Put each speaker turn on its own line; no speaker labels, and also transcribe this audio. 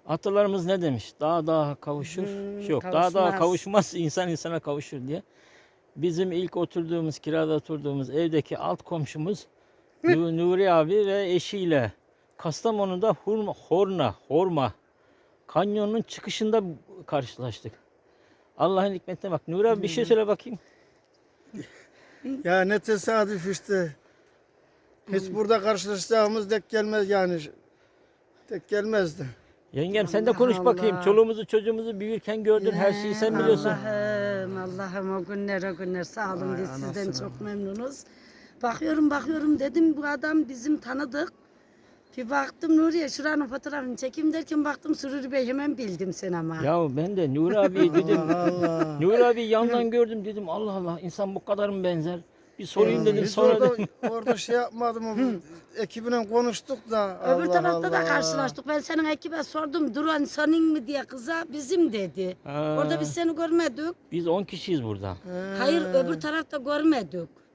Atalarımız ne demiş? Dağ dağa kavuşur. Yok, dağ dağa
Kavuşmaz.
kavuşmaz, insan insana kavuşur diye. Bizim ilk oturduğumuz, kirada oturduğumuz evdeki alt komşumuz Nuri abi ve eşiyle Kastamonu'da Horma kanyonun çıkışında karşılaştık. Allah'ın hikmetine bak. Nuri abi bir şey söyle bakayım.
Ya ne tesadüf işte. Hiç burada karşılaşacağımız denk gelmez yani. Tek gelmezdi.
Yengem sen de
Allah
konuş bakayım.
Allah.
Çoluğumuzu çocuğumuzu büyürken gördün, her şeyi sen biliyorsun.
Allah'ım o günler sağ olun,
Vay
biz sizden
anasını.
çok memnunuz. Bakıyorum dedim bu adam bizim tanıdık. Bir baktım Nuriye şuranın fotoğrafını çekeyim derken baktım Sururi Bey, hemen bildim sen ama.
Ya ben de Nuri abi dedim.
Allah Allah.
Nuri abi yandan gördüm dedim. Allah Allah, insan bu kadar mı benzer? Bir sorayım dedim,
Hiç
sonra
orada,
dedim.
orada şey yapmadım. Ekibine konuştuk da.
Öbür
Allah
tarafta da
Allah.
karşılaştık. Ben senin ekibe sordum, Duran senin mi diye, kıza bizim dedi.
Ha,
Orada biz seni görmedik.
biz 10 kişiyiz burada.
He.
Hayır, öbür tarafta görmedik.